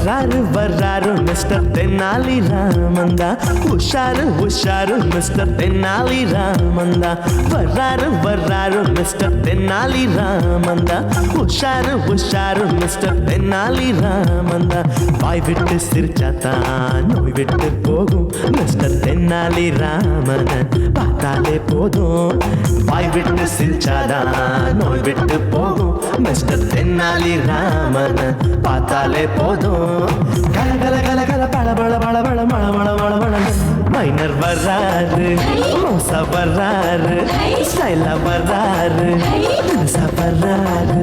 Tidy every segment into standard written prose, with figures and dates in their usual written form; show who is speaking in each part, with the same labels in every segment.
Speaker 1: வர்றாரு வர்றாரு மிஸ்டர் தென்னாலி ராமந்தா, உஷாரு உஷாரு மிஸ்டர் தென்னாலி ராமந்தா. வர்றாரு வர்றாரு மிஸ்டர் தென்னாலி ராமந்தா, உஷாரு உஷாரு மிஸ்டர் தென்னாலி ராமந்தா. வாய் விட்டு சிரிச்சாத்தான் நோய் விட்டு போகும் மிஸ்டர் தென்னாலி ராமன் பார்த்தாலே போதும். வாய் விட்டு சிரிச்சாதான் நோய் விட்டு போகும் மிஸ்டர் தென்னாலி ராமன் பார்த்தாலே போதும். கல கல கல கல பழ பழ பழ பழ மழ மழ மழ மழ. மைனர் வர்றாரு, மோசா வர்றாரு, ஸ்டைலா வர்றாரு, மனசா வர்றாரு.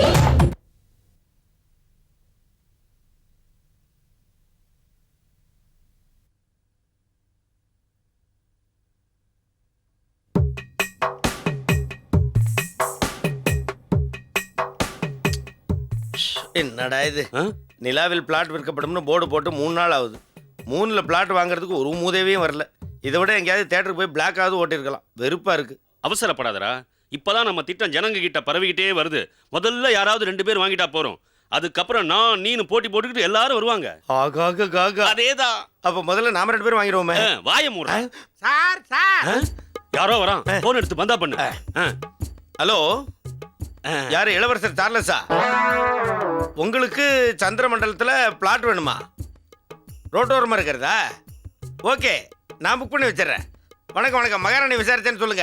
Speaker 2: என்னடா இது, நிலாவில் பிளாட் விற்கப்படும்னு போர்டு போட்டு 3 நாள் ஆகுது. 3ல் பிளாட் வாங்குறதுக்கு ஒரு மூதேவியும் வரல. இதை விட எங்கேயாவது தேட்டருக்கு போய் பிளாக்காவது ஓட்டிருக்கலாம். வெறுப்பா இருக்கு.
Speaker 3: அவசரப்படாதடா, இப்பதான் நம்ம திட்டம் ஜனங்க கிட்ட பரவிக்கிட்டே வருது. முதல்ல யாராவது 2 பேர் வாங்கிட்டா போறோம். அதுக்கப்புறம் நான் நீனு போட்டி போட்டுக்கிட்டு எல்லாரும் வருவாங்க.
Speaker 2: ஆகாக காகா.
Speaker 3: அதேதான்.
Speaker 2: அப்ப முதல்ல நாம 2 பேரும் வாங்கிடுவோமே.
Speaker 3: வாய மூட.
Speaker 4: சார் சார்,
Speaker 3: யாரோ வரான். போன் எடுத்து பந்தா பண்ணு.
Speaker 2: ஹலோ, யாரு? இளவரசர் சார்லஸா? உங்களுக்கு சந்திரமண்டலத்தில் பிளாட் வேணுமா? ரோட்டோரமாக இருக்கிறதா? ஓகே, நான் புக் பண்ணி வச்சிடறேன். வணக்கம் வணக்கம். மகாராணி விசாரிச்சேன்னு சொல்லுங்க.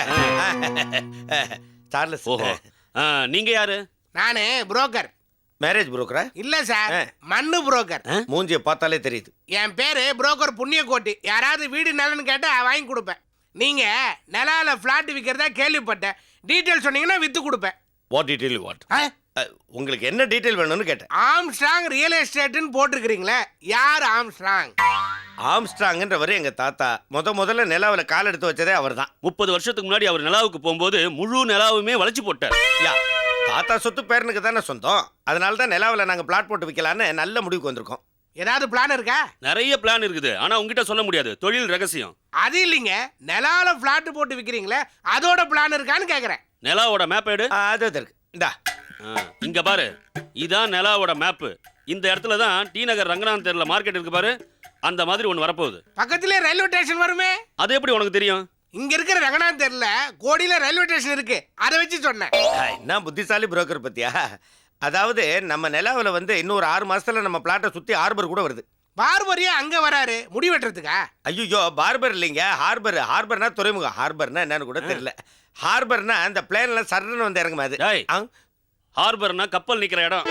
Speaker 2: சார்லஸ்.
Speaker 3: ஓஹோ, நீங்க யாரு?
Speaker 4: நானு புரோக்கர்.
Speaker 2: மேரேஜ் புரோக்கரா?
Speaker 4: இல்ல சார், மண்ணு புரோக்கர்.
Speaker 2: மூஞ்சியை பார்த்தாலே தெரியுது.
Speaker 4: என் பேரு புரோக்கர் புண்ணியக்கோட்டி. யாராவது வீடு நிலன்னு கேட்டா வாங்கி கொடுப்பேன். நீங்க நிலால பிளாட் விற்கிறதா கேள்விப்பட்டேன். டீட்டெயில் சொன்னீங்கன்னா வித்து கொடுப்பேன்.
Speaker 2: What detail what? உங்களுக்கு என்ன டீட்டெயில் வேணும்னு கேட்டேன்.
Speaker 4: ஆம்ஸ்ட்ராங் ரியல் எஸ்டேட்னு போட்டிருக்கிறீங்களே, யார் ஆம்ஸ்ட்ராங்?
Speaker 2: ஆம்ஸ்ட்ராங்ன்றவர் எங்க தாத்தா. முதல்ல நிலாவில் கால் எடுத்து வச்சதே அவர் தான்.
Speaker 3: 30 வருஷத்துக்கு முன்னாடி அவர் நிலாவுக்கு போகும்போது முழு நிலாவுமே வளைச்சு போட்டார்.
Speaker 2: தாத்தா சொத்து பேரனுக்கு தானே சொந்தம். அதனால தான் நிலாவில் நாங்கள் பிளாட் போட்டு விற்கலான்னு நல்ல முடிவுக்கு வந்திருக்கோம்.
Speaker 4: ஏதாவது பிளான் இருக்கா?
Speaker 3: நிறைய பிளான் இருக்குது, ஆனா உங்ககிட்ட சொல்ல முடியாது. தொழில் ரகசியம்.
Speaker 4: அது இல்லைங்க, நிலால பிளாட் போட்டு விற்கிறீங்களே, அதோட பிளான் இருக்கான்னு கேட்குறேன்.
Speaker 3: நிலாவோட மேப் எடு.
Speaker 2: அது இருக்கு. இந்தா
Speaker 3: இங்க பாரு, இதான் நிலாவோட மேப்பு. இந்த இடத்துல தான் டி நகர் ரங்கநாதன் தெருல மார்க்கெட் இருக்கு பாரு, அந்த மாதிரி ஒன்று வரப்போகுது.
Speaker 4: பக்கத்திலே ரயில்வே ஸ்டேஷன் வருமே.
Speaker 3: அது எப்படி உனக்கு தெரியும்?
Speaker 4: இங்க இருக்கிற ரங்கநாதன் தெருல கோடியில ரயில்வே ஸ்டேஷன் இருக்கு, அதை வச்சு சொன்னேன்.
Speaker 2: என்ன புத்திசாலி புரோக்கர் பத்தியா? அதாவது நம்ம நிலாவில் வந்து இன்னொரு 6 மாசத்துல நம்ம பிளாட்டை சுத்தி ஹார்பர் கூட வருது.
Speaker 4: பார்பரியா அங்க வராரு முடி வெட்டுறதுக்கா?
Speaker 2: ஐயோ, பார்பர் இல்லைங்க, ஹார்பர். ஹார்பர்னா துறைமுகம். ஹார்பர்னா என்னன்னு கூட தெரியல. ஹார்பர்னா அந்த பிளேன்ல சர்ன்னு வந்து இறங்குமா? அது
Speaker 3: ஹார்பர்னா கப்பல் நிக்கிற இடம்.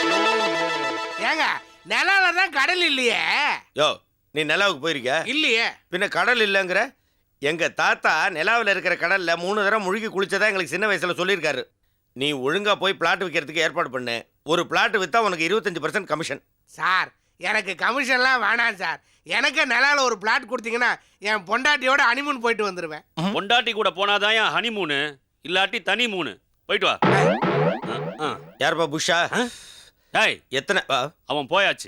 Speaker 4: ஏங்க, நிலால தான் கடல் இல்லையே.
Speaker 2: யோ, நீ நிலாவுக்கு போயிருக்க?
Speaker 4: இல்லையே.
Speaker 2: பின்ன கடல் இல்லைங்கிற? எங்க தாத்தா நிலாவில் இருக்கிற கடல்ல 3 தடவை முழுகி குளிச்சதா எங்களுக்கு சின்ன வயசுல சொல்லியிருக்காரு. நீ ஒழுங்கா போய் பிளாட் விற்கிறதுக்கு ஏற்பாடு பண்ணு. ஒரு பிளாட் வித்தா உனக்கு 25% கமிஷன்.
Speaker 4: சார், எனக்கு கமிஷன்லாம் வேணாம் சார். எனக்கு நிலால ஒரு பிளாட் கொடுத்தீங்கன்னா என் பொண்டாட்டியோட ஹனிமூன் போயிட்டு வந்துருவேன்.
Speaker 3: பொண்டாட்டி கூட போனாதான் என் ஹனிமூனு, இல்லாட்டி தனி மூணு. போயிட்டு வா.
Speaker 2: யாருப்பா புஷா?
Speaker 3: டேய்,
Speaker 2: எத்தனை?
Speaker 3: அவன் போயாச்சு.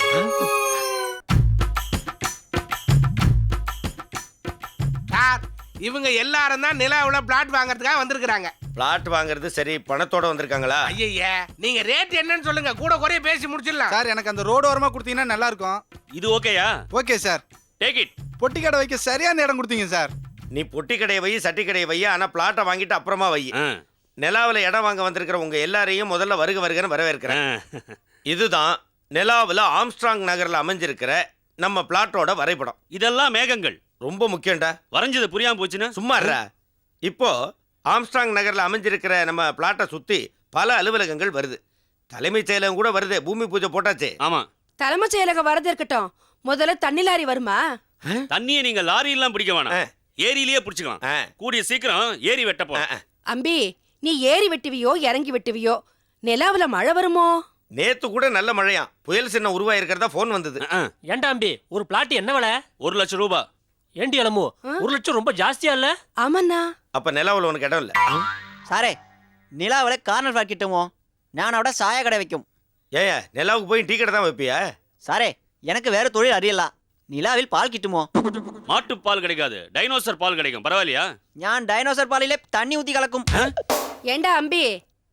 Speaker 4: சார், இவங்க எல்லாரும் தான் நிலாவுல பிளாட் வாங்குறதுக்காக வந்திருக்காங்க.
Speaker 2: பிளாட் வாங்குறது சரி, பணத்தோட வந்திருக்காங்களா?
Speaker 4: ஐயா, நீங்க ரேட் என்னன்னு சொல்லுங்க, கூட குறைய பேசி முடிச்சிடலாம்.
Speaker 5: சார், எனக்கு அந்த ரோடு ஓரமா கொடுத்தீங்கன்னா நல்லா இருக்கும்.
Speaker 3: இது ஓகேயா?
Speaker 5: Okay sir.
Speaker 3: Take it.
Speaker 5: பொட்டி கடை வைக்க சரியான இடம் கொடுத்தீங்க சார்.
Speaker 2: நீ பொட்டி கடையை வை, சட்டி கடையை வை, ஆனா பிளாட்டை வாங்கிட்டு அப்புறமா வை. நிலாவில் இடம் வாங்க வந்திருக்கிற உங்க எல்லாரையும் முதல்ல வருக வருகன்னு வரவேற்கிறேன். இதுதான் நிலாவில் ஆம்ஸ்ட்ராங் நகரில் அமைஞ்சிருக்கிற நம்ம பிளாட்டோட வரைபடம்.
Speaker 3: இதெல்லாம் மேகங்கள்.
Speaker 2: ரொம்ப முக்கியம்டா.
Speaker 3: வரைஞ்சது புரியாம போச்சுன்னா
Speaker 2: சும்மா இருடா. இப்போ ஆம்ஸ்ட்ராங் நகரில் அமைஞ்சிருக்கிற நம்ம பிளாட்டை சுற்றி பல அலுவலகங்கள் வருது. தலைமைச் செயலகம் கூட வருது. பூமி பூஜை போட்டாச்சு.
Speaker 3: ஆமா,
Speaker 6: தலைமைச் செயலகம் வரது இருக்கட்டும், முதல்ல தண்ணி லாரி வருமா?
Speaker 3: தண்ணியை நீங்க லாரி எல்லாம் பிடிக்க வேணாம், ஏரியிலேயே பிடிச்சுக்கலாம். கூடிய சீக்கிரம் ஏரி வெட்ட போறோம்.
Speaker 6: அம்பி, நீ ஏரி வெட்டுவியோ இறங்கி வெட்டுவியோ, நிலாவுல மழை வருமோ?
Speaker 2: நேத்து கூட நல்ல மழையா, புயல் சின்ன உருவாயிருக்கிறதா போன் வந்தது.
Speaker 7: ஏண்டா அம்பி, ஒரு பிளாட் என்ன விலை?
Speaker 3: 1 லட்சம் ரூபாய்.
Speaker 7: ஏண்டி அலமு, 1 லட்சம் ரொம்ப ஜாஸ்தியா இல்ல?
Speaker 6: ஆமண்ணா.
Speaker 2: அப்ப நிலாவில் உனக்கு இடம் இல்ல?
Speaker 8: சாரே, நிலாவில் கார்னர் ஃபிளாட் கிட்டுமோ? நான் அவட சாய கடை வைக்கும்.
Speaker 2: ஏயா, நிலாவுக்கு போய் டீ கடை தான் வைப்பியா?
Speaker 8: சாரே, எனக்கு வேற தொழில் அறியல. நிலாவில் பால் கிட்டுமோ?
Speaker 3: மாட்டு பால் கிடைக்காது, டைனோசர் பால் கிடைக்கும். பரவாயில்லையா?
Speaker 8: ഞാൻ ഡൈനോസർ പാലിലെ തണ്ണി ഊത്തി കലക്കും.
Speaker 6: ஏண்டா அம்பி,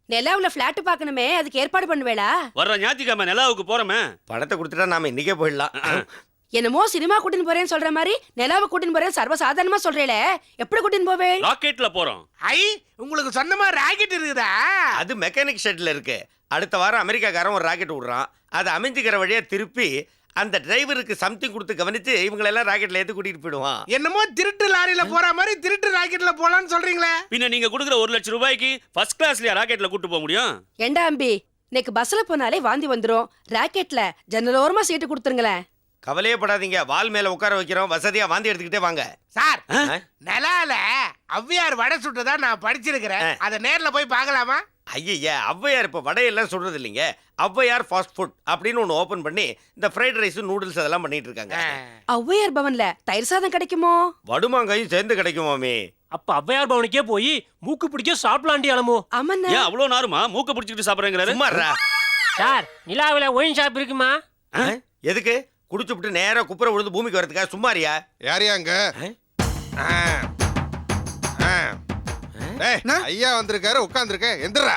Speaker 6: நிலாவுல பிளாட் பார்க்கணுமே, அதுக்கு ஏற்பாடு பண்ணுவேளா?
Speaker 3: வர்ற ஞாயிற்றுக்கிழமை நிலாவுக்கு போறோமே.
Speaker 2: பணத்தை கொடுத்துட்டா நாம இன்னைக்கே போயிடலாம்.
Speaker 6: என்னமோ சினிமா கூட்டின்னு போறேன்னு சொல்ற மாதிரி நிலாவை கூட்டின்னு போறேன் சர்வசாதாரணமா சொல்றேல. எப்படி கூட்டின்னு போவே?
Speaker 3: ராக்கெட்ல போறோம்.
Speaker 4: ஐ உங்களுக்கு சொந்தமா ராக்கெட் இருக்குதா?
Speaker 2: அது மெக்கானிக் ஷெட்ல இருக்கு. அடுத்த வாரம் அமெரிக்காக்காரன் ஒரு ராக்கெட் விடுறான். அதை அமைஞ்சிக்கிற வழியா திருப்பி அந்த டிரைவருக்கு சம்திங் கொடுத்து கவனிச்சு இவங்களெல்லாம் ராக்கெட்ல ஏற்றி கூட்டிட்டு போயிடுவான்.
Speaker 4: என்னமோ திருட்டு லாரியில போற மாதிரி திருட்டு ராக்கெட்ல போலான்னு சொல்றீங்களே?
Speaker 3: பின்ன நீங்க கொடுக்குற 1 லட்சம் ரூபாய்க்கு ஃபர்ஸ்ட் கிளாஸ்லயா ராக்கெட்ல கூட்டு போக முடியும்?
Speaker 6: ஏண்டா அம்பி, இன்னைக்கு பஸ்ல போனாலே வாந்தி வந்துரும். ராக்கெட்ல ஜன்னலோரமா சீட்டு கொடுத்துருங்களேன்.
Speaker 2: கவலையே படாதீங்க, வால் மேல உட்கார வைக்கிறோம், வசதியா வாந்தி எடுத்துக்கிட்டே வாங்க.
Speaker 4: சார், நிலால ஔவையார் வடை சுட்டதா நான் படிச்சிருக்கிறேன். அதை நேர்ல போய் பார்க்கலாமா?
Speaker 2: ஐயா, ஔவையார் இப்ப வடையெல்லாம் சொல்றது இல்லைங்க. ஔவையார் ஃபாஸ்ட் ஃபுட் அப்படின்னு ஒன்று ஓபன் பண்ணி இந்த ஃப்ரைட் ரைஸ் நூடுல்ஸ் அதெல்லாம் பண்ணிட்டு இருக்காங்க.
Speaker 6: ஔவையார் பவன்ல தயிர் சாதம் கிடைக்குமோ?
Speaker 2: வடுமாங்காயும் சேர்ந்து கிடைக்குமாமே.
Speaker 7: அப்ப ஔவையார் பவனுக்கே போய் மூக்கு பிடிக்க சாப்பிடலாண்டி அலமோ.
Speaker 6: ஆமாண்ணா.
Speaker 3: ஏன் அவ்வளோ நாருமா மூக்க பிடிச்சிக்கிட்டு சாப்பிட்றேங்கிறாரு?
Speaker 2: சும்மாறா.
Speaker 7: சார், நிலாவுல ஒயின் ஷாப் இருக்குமா?
Speaker 2: எதுக்கு? குடிச்சுப்புட்டு நேரா குப்புற விழுந்து பூமிக்கு வரதுக்கா? சும்மாரியா?
Speaker 9: யாரையா அங்க? ஐயா வந்திருக்காரு, உட்கார்ந்துருக்க. எந்திரா.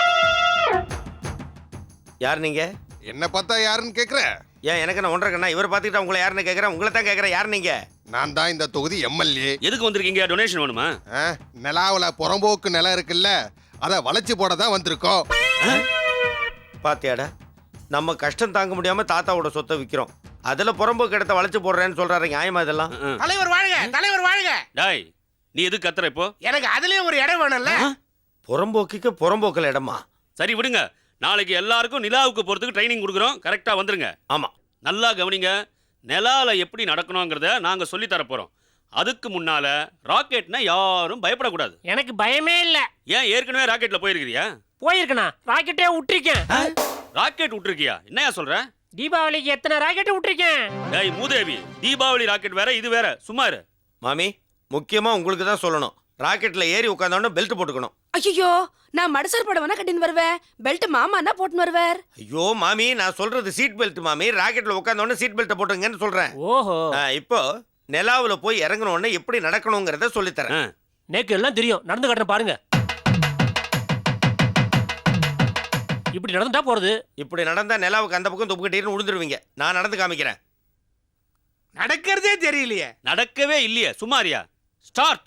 Speaker 2: யார் நீங்க?
Speaker 9: என்ன பார்த்தா யாருன்னு கேக்குற?
Speaker 2: ஏன் எனக்கு நான் ஒன்றரை கண்ணா? இவர் பார்த்துக்கிட்டா உங்களை யாருன்னு கேட்குறேன். உங்களை தான் கேட்குறேன். யார் நீங்க?
Speaker 9: நான் தான் இந்த தொகுதி எம்எல்ஏ.
Speaker 3: எதுக்கு வந்திருக்கீங்க? டொனேஷன் வேணுமா?
Speaker 9: நிலாவுல புறம்போக்கு நிலம் இருக்குல்ல, அதை வளைச்சு போட தான் வந்திருக்கோம்.
Speaker 2: பாத்தியாடா, நம்ம கஷ்டம் தாங்க முடியாம தாத்தாவோட சொத்தை விற்கிறோம். அதுல புறம்போக்கு இடத்த வளைச்சு போடுறேன்னு சொல்றாரு. நியாயமா இதெல்லாம்?
Speaker 4: தலைவர் வாழ்க, தலைவர் வாழ்க.
Speaker 3: டாய், நீ எதுக்கு கத்துற இப்போ?
Speaker 4: எனக்கு அதுலயும் ஒரு இடம் வேணும்ல.
Speaker 2: புறம்போக்குக்கு புறம்போக்கில் இடமா?
Speaker 3: சரி விடுங்க, நாளைக்கு எல்லாருக்கும் நிலாவுக்கு போறதுக்கு ட்ரைனிங் கொடுக்குறோம். கரெக்டா வந்துருங்க.
Speaker 2: ஆமா.
Speaker 3: நல்லா கவனிங்க. நிலால எப்படி நடக்கணுங்கிறத நாங்க சொல்லி தர போறோம். அதுக்கு முன்னால ராக்கெட்னா யாரும் பயப்படக்கூடாது.
Speaker 7: எனக்கு பயமே இல்ல.
Speaker 3: ஏன் ஏற்கனவே ராக்கெட்ல போயிருக்கிறியா?
Speaker 7: போயிருக்கனா? ராக்கெட்டே விட்டுருக்கேன்.
Speaker 3: ராக்கெட் விட்டுருக்கியா? என்னையா சொல்ற?
Speaker 7: தீபாவளிக்கு எத்தனை ராக்கெட் விட்டுருக்கேன்?
Speaker 3: டேய் மூதேவி, தீபாவளி ராக்கெட் வேற, இது வேற. சும்மா இரு.
Speaker 2: மாமி, முக்கியமா உங்களுக்கு தான் சொல்லணும். ராக்கெட்ல ஏறி உட்கார்ந்தோன்னு பெல்ட் போட்டுக்கணும்.
Speaker 6: ஐயோ, நான் மடசார் படவனா கட்டின்னு வருவேன். பெல்ட் மாமான்னா போட்டுன்னு வருவார்.
Speaker 2: ஐயோ மாமி, நான் சொல்றது சீட் பெல்ட் மாமி. ராக்கெட்ல உட்கார்ந்தோன்னு சீட் பெல்ட்டை போட்டுங்கன்னு சொல்றேன்.
Speaker 7: ஓஹோ.
Speaker 2: இப்போ நிலாவுல போய் இறங்கணும் உடனே எப்படி நடக்கணுங்கிறத சொல்லித்தரேன்.
Speaker 7: நேக்கு எல்லாம் தெரியும். நடந்து காட்டுறேன் பாருங்க. இப்படி நடந்துட்டா போறது.
Speaker 2: இப்படி நடந்தா நிலாவுக்கு அந்த பக்கம் துப்புக்கிட்டீர்னு விழுந்துருவீங்க. நான் நடந்து காமிக்கிறேன்.
Speaker 4: நடக்கிறதே தெரியலையே.
Speaker 3: நடக்கவே இல்லையே. சும்மாரியா? ஸ்டார்ட்.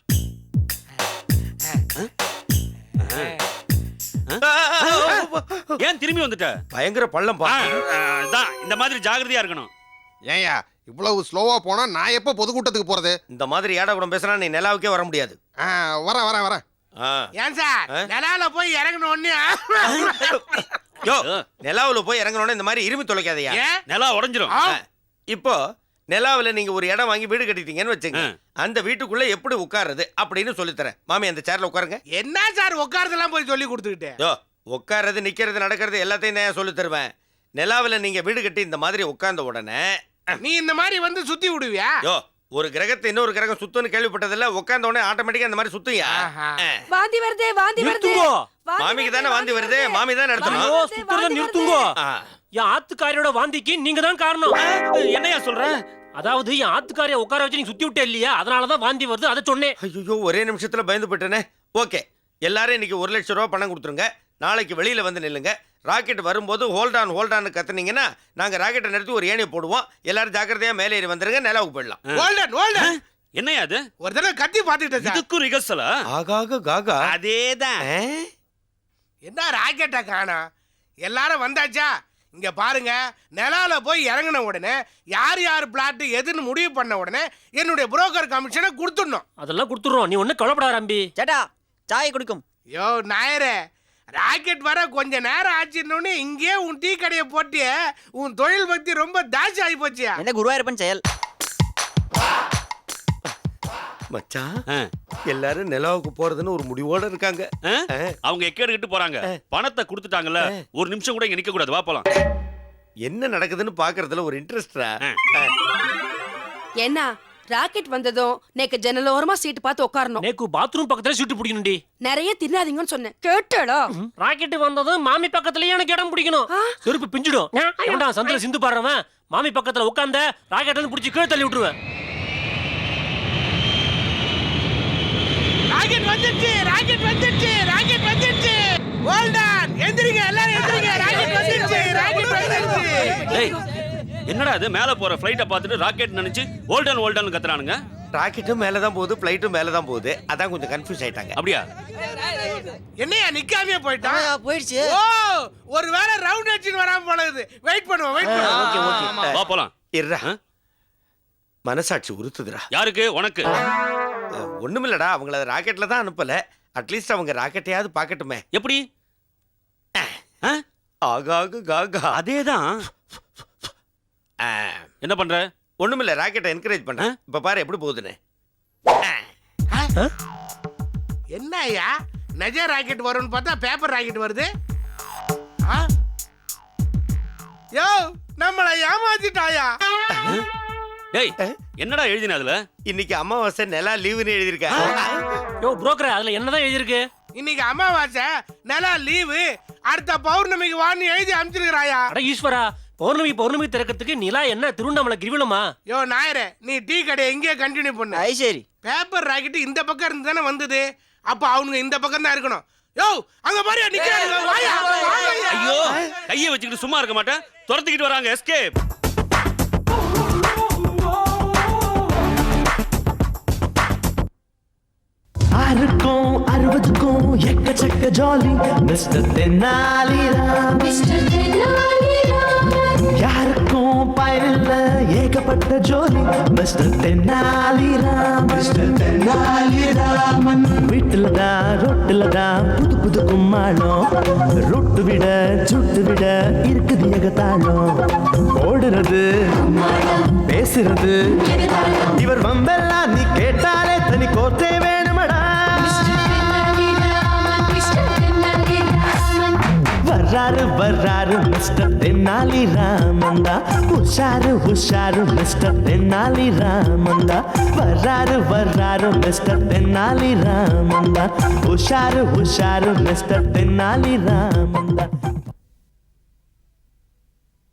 Speaker 3: ஏன் திரும்பி வந்துட்ட?
Speaker 2: பயங்கர பள்ளம் பா.
Speaker 3: அதான் இந்த மாதிரி ஜாகிரதையா இருக்கணும்.
Speaker 9: ஏயா இவ்வளவு ஸ்லோவா போனா நான் எப்ப பொதுக்கூட்டத்துக்கு போறது?
Speaker 2: இந்த மாதிரி ஏடா கூட பேசினா நீ நிலாவுக்கே வர முடியாது.
Speaker 9: வரேன் வரேன் வரேன்.
Speaker 4: ஏன் சார், நிலால போய் இறங்கணும் ஒண்ணு.
Speaker 2: யோ, நிலாவுல போய் இறங்கணும்னு இந்த மாதிரி இருமி தொலைக்காதயா.
Speaker 3: நிலா உடைஞ்சிரும்.
Speaker 2: இப்போ நிலாவுல நீங்க ஒரு இடம் வாங்கி வீடு கட்டிட்டீங்கன்னு வச்சுங்க. அந்த வீட்டுக்குள்ள எப்படி உட்காருது அப்படின்னு சொல்லித்தரேன். மாமி, அந்த சேர்ல உட்காருங்க.
Speaker 4: என்ன சார் உட்கார்றதெல்லாம் போய் சொல்லி கொடுத்துக்கிட்டு?
Speaker 2: யோ, உட்கார்றது நிக்கிறது நடக்கிறது எல்லாத்தையும் நான் சொல்லி தருவேன். நிலாவுல நீங்க வீடு கட்டி இந்த மாதிரி உட்கார்ந்த உடனே
Speaker 4: நீ இந்த மாதிரி வந்து சுத்தி விடுவியா?
Speaker 2: யோ, ஒரு கிரகத்தை இன்னொரு கிரகம் சுத்துன்னு கேள்விப்பட்டதில்ல. உட்கார்ந்த உடனே ஆட்டோமேட்டிக்கா இந்த மாதிரி சுத்துயா.
Speaker 6: வாந்தி வருதே, வாந்தி வருதே.
Speaker 7: நிறுத்துங்கோ.
Speaker 2: மாமிக்கு தானே வாந்தி வருது. மாமி தான்
Speaker 7: ஐயோ,
Speaker 2: நடத்தணும்.
Speaker 7: சுத்துறத நிறுத்துங்கோ. என் ஆத்துக்காரியோட வாந்திக்கு நீங்க தான் காரணம்.
Speaker 3: என்னையா சொல்ற?
Speaker 7: அதாவது என் ஆத்துக்காரிய உட்கார வச்சு நீங்க சுத்தி விட்டே இல்லையா, அதனாலதான் வாந்தி வருது. அதை சொன்னேன்.
Speaker 2: ஐயோ, ஒரே நிமிஷத்துல பயந்து போயிட்டேனே. ஓகே, எல்லாரும் இன்னைக்கு 1 லட்சம் ரூபாய் பணம் கொடுத்துருங்க. நாளைக்கு வெளியில வந்து நில்லுங்க. ராக்கெட் வரும்போது ஹோல்டான் கத்துனீங்கன்னா நாங்க ராக்கெட்டை நிறுத்தி ஒரு ஏணியை போடுவோம். எல்லாரும் ஜாக்கிரதையா மேலே ஏறி வந்துருங்க. நிலாவுக்கு போயிடலாம்.
Speaker 4: Hold on hold on.
Speaker 3: என்னையா அது?
Speaker 4: ஒரு தடவை கத்தி பாத்துக்கிட்டேன் சார்.
Speaker 3: இதுக்கும் ரிகர்சலா?
Speaker 2: ஆகாக காகா.
Speaker 3: அதேதான்.
Speaker 4: என்ன ராக்கெட்டை காணோம்? எல்லாரும் வந்தாச்சா? இங்க பாருங்க, நிலால போய் இறங்கின உடனே யார் யார் பிளாட் எதுன்னு முடிவு பண்ண உடனே என்னுடைய புரோக்கர் கமிஷனை கொடுத்துடணும்.
Speaker 7: அதெல்லாம் கொடுத்துறோம். நீ ஒண்ணு கவலைப்படாத அம்பி.
Speaker 8: சேட்டா, சாய் குடிக்கும்.
Speaker 4: யோ நாயரே, ராக்கெட் வர கொஞ்ச நேரம் ஆச்சுன்னு இங்கே உன் டீ கடையை போட்டு உன் தொழில் பக்தி ரொம்ப தாசி ஆகி போச்சியா?
Speaker 8: என்ன குருவாயிருப்பன் செயல்.
Speaker 2: மச்சான், எல்லாரும் நிலாவுக்கு போறதுன்னு ஒரு முடிவோட இருக்காங்க.
Speaker 3: அவங்க எக்கேடுகிட்டு போறாங்க. பணத்தை கொடுத்துட்டாங்கல்ல, ஒரு நிமிஷம் கூட இங்க நிக்க கூடாது. வா போலாம்.
Speaker 2: என்ன நடக்குதுன்னு பாக்குறதுல ஒரு இன்ட்ரெஸ்டா?
Speaker 6: என்ன ராக்கெட் வந்ததும் நேக்கு ஜன்னல் ஓரமா சீட்டு பார்த்து உட்காரணும்.
Speaker 7: நேக்கு பாத்ரூம் பக்கத்துல சீட்டு பிடிக்கணும்டி.
Speaker 6: நிறைய தின்னாதீங்கன்னு சொன்னேன், கேட்டடா?
Speaker 7: ராக்கெட் வந்ததும் மாமி பக்கத்துலயே எனக்கு இடம் பிடிக்கணும். செருப்பு பிஞ்சிடும். ஏண்டா சந்தில சிந்து பாடுறவன் மாமி பக்கத்துல உட்கார்ந்த ராக்கெட்ல இருந்து பிடிச்சி கீழே தள்ளி விட்டுருவேன்.
Speaker 4: ராக்கெட் வந்துருச்சு, ராக்கெட் வந்துருச்சு, ராக்கெட் வந்துருச்சு. ஹோல்டன் எந்திரிங்க எல்லாரும் எந்திரிங்க ராக்கெட் வந்துருச்சு ராக்கெட் வந்துருச்சு
Speaker 3: டேய் என்னடா இது மேல போற ஃளைட்ட பார்த்துட்டு ராக்கெட் நினைச்சு ஓல்டன் ஓல்டன் கத்துறானுங்க.
Speaker 2: ராக்கெட்டும் மேல தான் போகுது, ஃப்ளைட்டும் மேல தான் போகுது. அதான் கொஞ்சம் கன்ஃபியூஸ் ஆயிட்டாங்க.
Speaker 3: அப்படியா?
Speaker 4: என்னையா நிக்காமே போயிட்டான்
Speaker 8: போயிடுச்சு.
Speaker 4: ஓ ஒருவேளை ரவுண்ட் அடிச்சுன்னு வராம போலது. வெயிட் பண்ணுவோம் வெயிட் பண்ணுவோம்.
Speaker 2: ஓகே ஓகே
Speaker 3: வா போலாம்.
Speaker 2: இருடா. மனசாட்சி உறுத்துதுடா.
Speaker 3: யாருக்கு? உனக்கு.
Speaker 2: ஒண்ணுமில்லடா, அவங்கள ராக்கெட்ல தான் அனுப்பல. அட்லீஸ்ட் அவங்க ராக்கெட்டையாவது பார்க்கட்டுமே.
Speaker 3: எப்படி?
Speaker 2: ஆகாகு காகா.
Speaker 3: அதேதான். என்ன பண்ற?
Speaker 2: ஒண்ணுமில்ல, ராக்கெட்டை என்கரேஜ் பண்ண. இப்ப பாரு எப்படி போகுதுன்னு.
Speaker 4: என்ன ஐயா நெஜ ராக்கெட் வரும்னு பார்த்தா பேப்பர் ராக்கெட் வருது. யோ நம்மளை ஏமாத்திட்டாயா?
Speaker 3: டேய் என்னடா எழுதின அதுல?
Speaker 2: இன்னைக்கு அமாவாசை நிலா லீவுன்னு எழுதியிருக்கேன்.
Speaker 7: யோ புரோக்கர் அதுல என்னதான் எழுதிருக்கு?
Speaker 4: இன்னைக்கு அமாவாசை நிலா லீவு, அடுத்த பௌர்ணமிக்கு வான்னு எழுதி அனுப்பிச்சிருக்கிறாயா?
Speaker 7: அட ஈஸ்வரா, பௌர்ணமி திறக்கிறதுக்கு நிலா என்ன திருவண்ணாமலை கிரிவலமா?
Speaker 4: யோ நாயரே, நீ டீ கடையை எங்கேயே கண்டினியூ பண்ணு.
Speaker 8: ஐ சரி.
Speaker 4: பேப்பர் ராக்கெட் இந்த பக்கம் இருந்து தானே வந்தது, அப்ப அவனுங்க இந்த பக்கம் தான் இருக்கணும். யோ அங்க பாரு நிக்கிறானுங்க. வாயா வாயா.
Speaker 3: ஐயோ கையை வச்சுக்கிட்டு சும்மா இருக்க மாட்டேன், துரத்திக்கிட்டு வராங்க. எஸ்கேப்.
Speaker 1: ஆறுக்கும் 60க்கும் எக்கச்சக்க ஜாலி மிஸ்டர் தென்னாலிராம். யாருக்கும் பயனில்ல ஏகப்பட்ட ஜோலி மிஸ்டர் தென்னாலிராம். மிஸ்டர் தென்னாலிராமன் வீட்டுல தான் ரொட்டுல தான் புது புது கும்மாளம். ரொட்டு விட சுட்டு விட இருக்குது ஏகத்தாளம். ஓடுறது பேசுறது இவர் வம்பெல்லாம் நீ கேட்டாலே தனி கோர்த்தே வேணுமடா. வர்றாரு மிஸ்டர் தென்னாலி ராமந்தா. உஷாரு மிஸ்டர் தென்னாலி ராமந்தா. வர்றாரு மிஸ்டர் தென்னாலி ராமந்தா. உஷாரு மிஸ்டர் தென்னாலி ராமந்தா.